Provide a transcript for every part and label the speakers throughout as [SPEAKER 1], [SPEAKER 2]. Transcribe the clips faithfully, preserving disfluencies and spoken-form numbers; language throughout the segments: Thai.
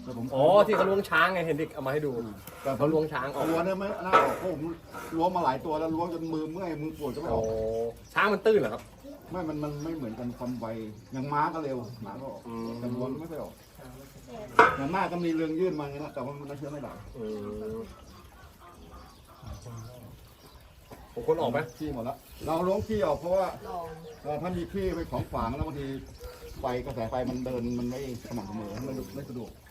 [SPEAKER 1] อ๋อที่เขาล้วงช้างไงเห็นเด็กเอามาให้ดูแต่เขาล้วงช้างออก
[SPEAKER 2] ล้วงเนี่ยไม่น่าออกเพราะผมล้วงมาหลายตัวแล้วล้วงจนมือเมื่อยมือปวดก็ไม่ออก
[SPEAKER 1] ช้างมันตื้นเหรอครับ
[SPEAKER 2] ไม่มันมันไม่เหมือนกันความไวอย่างม้าก็เร็วหมาก็ออกแต่ล้วงไม่ค่อยออกอย่างมากก็มีเรืองยื่นมาอย่างนี้นะแต่ว่ามันเชื่อไม่ได้
[SPEAKER 1] ผมคนออกไหม
[SPEAKER 2] ขี้หมดแล้วเราล้วงขี้ออกเพราะว่าถ้ามีขี้ไปของฝางแล้วบางทีไฟกระแสไฟมันเดินมันไม่สม่ำเสมอมันไม่สะดวก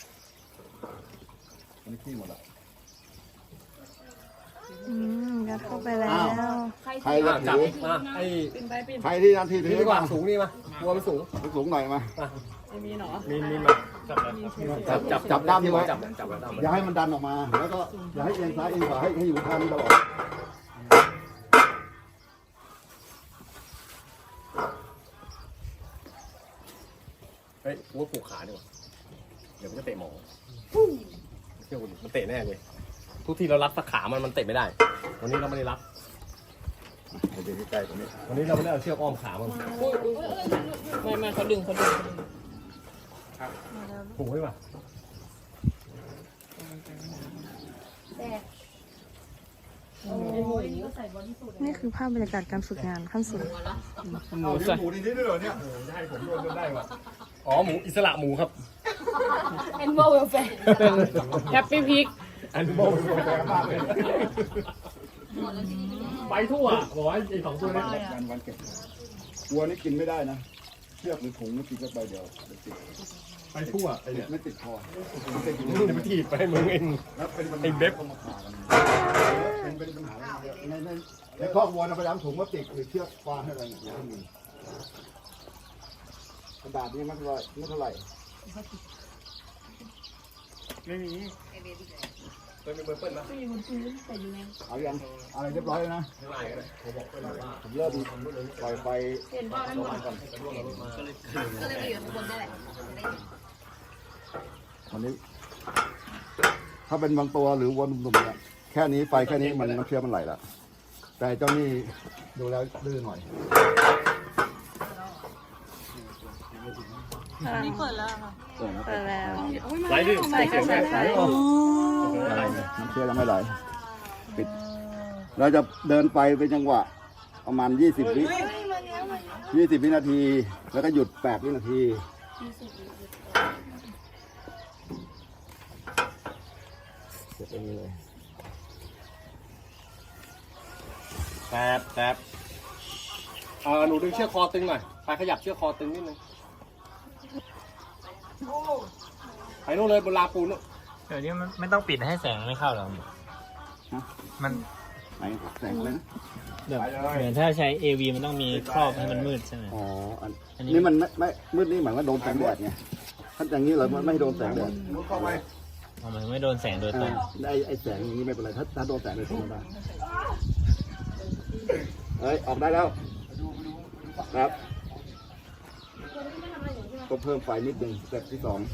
[SPEAKER 2] อันนี้ขี้หมดแล้ว
[SPEAKER 3] อืมยัดเข้าไปแล้ว
[SPEAKER 2] ใครจะ
[SPEAKER 1] จับ
[SPEAKER 2] ถือ
[SPEAKER 1] มาให้
[SPEAKER 2] ใครที่นาทีถื
[SPEAKER 1] นี่
[SPEAKER 2] อ
[SPEAKER 1] ดีกว่าสูงนี่มาตัวมันสูง
[SPEAKER 2] สูงหน่อยมา
[SPEAKER 1] มีนมีนมาจับจับ
[SPEAKER 2] จับด้ามนี้ไว้
[SPEAKER 1] จับจับด้าม
[SPEAKER 2] อย่าให้มันดันออกมาแล้วก็อย่าให้เอียงซ้ายเอียงขวาให้ให้อยู่ทางนี้ตลอด
[SPEAKER 1] เฮ้ยวัวผูกขาดีกว่าเดี๋ยวมันจะเตะหมอเชื่อคุณมันเตะแน่เลยทุกที่เรารัดตะขามันมันเตะไม่ได้วันนี้เราไม่ได้รัด
[SPEAKER 2] เดี๋ยวใกล้ๆตรงนี้
[SPEAKER 1] วันนี้เราไม่ได้เอาเชือกอ้อมขามัน
[SPEAKER 4] ไม่ไม่เขาดึงเขาดึง
[SPEAKER 1] ผูกไว้ป่ะ
[SPEAKER 3] นี่คือภาพบรรยากาศการฝึกงานขั้นสุด
[SPEAKER 1] หมูใส่หมูนี่ด้วยเหรอเนี่ยได้ผมโดนจนได้ว่ะอ๋อหมูอิสระหมูครับ
[SPEAKER 4] Animal welfare Happy Pig
[SPEAKER 1] อันโบว์แปลมากเลยไปทั่วบอกว่าไอ้สองตัวนี้
[SPEAKER 2] วันวันเก็บวัวนี่กินไม่ได้นะเชือกหรือถุงนี่กินก็ไปเดียวติด
[SPEAKER 1] ไปทั่วไอ้เนี่ย
[SPEAKER 2] ไม่ติดคอติดอยู่
[SPEAKER 1] มึงไปถีบไปมึงเอง
[SPEAKER 2] แล้วเป็นปัญหา
[SPEAKER 1] ไอ้เบ๊บ
[SPEAKER 2] มาขากันเป็นเป็นปัญหาในในในครอบวัวนะพยายามถุงพลาสติกหรือเชือกฟางให้อะไรอย่างเงี้ยมีกระดาษนี่ไม่เท่าไหร่ไม่เท่าไหร่
[SPEAKER 1] ไม่มีตัวมีเบอร์เปิ้ลนะ
[SPEAKER 2] เอายังอะไรเรียบร้อยแล้วนะ
[SPEAKER 1] ข้างในก็ได้ผมบอกไปแล้วว่า
[SPEAKER 2] ผมเริ่มปล่อยไฟ
[SPEAKER 4] เห็นป่ะนั่นหมด
[SPEAKER 2] ก่อน
[SPEAKER 4] ก็เลยไปอยู่ข้างบนได้แหละ
[SPEAKER 2] อันนี้ ถ้าเป็นบางตัวหรือวัวหนุ่มๆเนี่ยแค่นี้ไฟแค่นี้มันน้ำเชื้อมันไหลแล้วแต่เจ้านี่ดูแล้วดื้อหน่อย
[SPEAKER 4] นี่เปิดแล้วค่ะ
[SPEAKER 2] เออนะ
[SPEAKER 3] เปิดแล้ว
[SPEAKER 1] ไหลดิใส่กันใส่ใส่
[SPEAKER 3] โอ้
[SPEAKER 2] น้ำเชื้อยังไม่ไหลปิดเราจะเดินไปเป็นจังหวะประมาณยี่สิบวิยี่สิบวินาที แล้วก็หยุดแปดวินาทีเสร็จตรงนี้เลย
[SPEAKER 1] แป๊บแป๊บเออหนูดึงเชือกคอตึงหน่อยไปขยับเชือกคอตึงนิดนึงไปโน่นเลยบนลาปูนนู่น
[SPEAKER 5] เดี๋ยวนี้มันไม่ต้องปิดให้แสงไม่เข้าหรอกมัน
[SPEAKER 2] ไหนแสงเลยนะ
[SPEAKER 5] แบบเหมือนถ้าใช้ เอ วี มันต้องมีครอบให้มันมืดใช่ไหม
[SPEAKER 2] อ๋ออัน
[SPEAKER 5] อันนี้
[SPEAKER 2] นี่มันไม่ไม่มืดนี่หมายว่าโดนแสงแดดไงถ้าอย่างนี้เราไม่โดนแสงแดด
[SPEAKER 5] เอามันไม่โดนแสงโดยตรง
[SPEAKER 2] ไอ้ไอ้แสงอย่างนี้ไม่เป็นไรถ้าถ้าโดนแสงโดยตรงได้เอ้ยออกได้แล้วครับก็เพิ่มไฟนิดหนึ่งสเต็ปที่สอง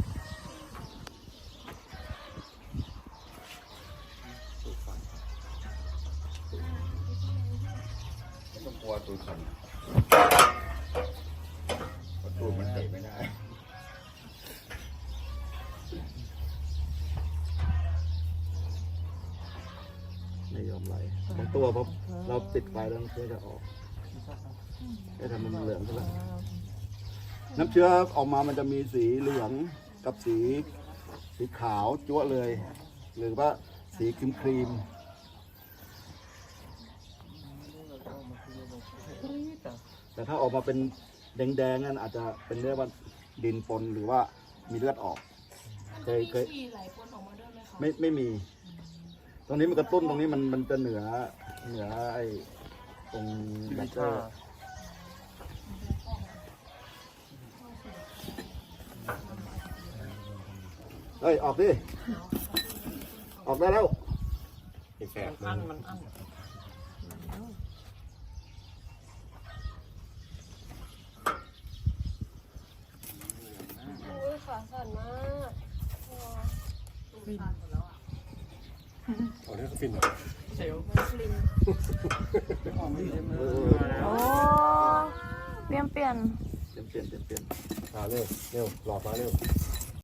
[SPEAKER 2] ต้องกลัวตูดสั่นตูดมันเตะไม่ได้ไม่ยอมไหลบางตัวเพราะเราติดไฟแล้วน้ำเชื้อจะออกจะทำมันเหลืองขึ้นแล้วน้ำเชื้อออกมามันจะมีสีเหลืองกับสีสีขาวจั๊วะเลย หรือว่าสีครีมครีมแต่ถ้าออกมาเป็นแดงๆนั่นอาจจะเป็นเรื่องว่าดินปนหรือว่ามีเลือดออกเคยเคยไม่ไม่มี ตรงนี้มันกระตุ้นตรงนี้มันมันจะเหนือเหนือไอ้ตรงแบตเตอร์เฮ้ย ออกดิ ออกได้แล้ว
[SPEAKER 1] แสบมันมันอั้น
[SPEAKER 4] อุ้ยขาสั่นมาก
[SPEAKER 1] เอาเรื่องฟิน
[SPEAKER 3] โอ้เปลี่ยนเปลี่ยน
[SPEAKER 2] เปลี่ยนเปลี่ยนเปลี่ยนเปลี่ยน
[SPEAKER 1] อ่าเร็วเร็วหลอดมาเร็ว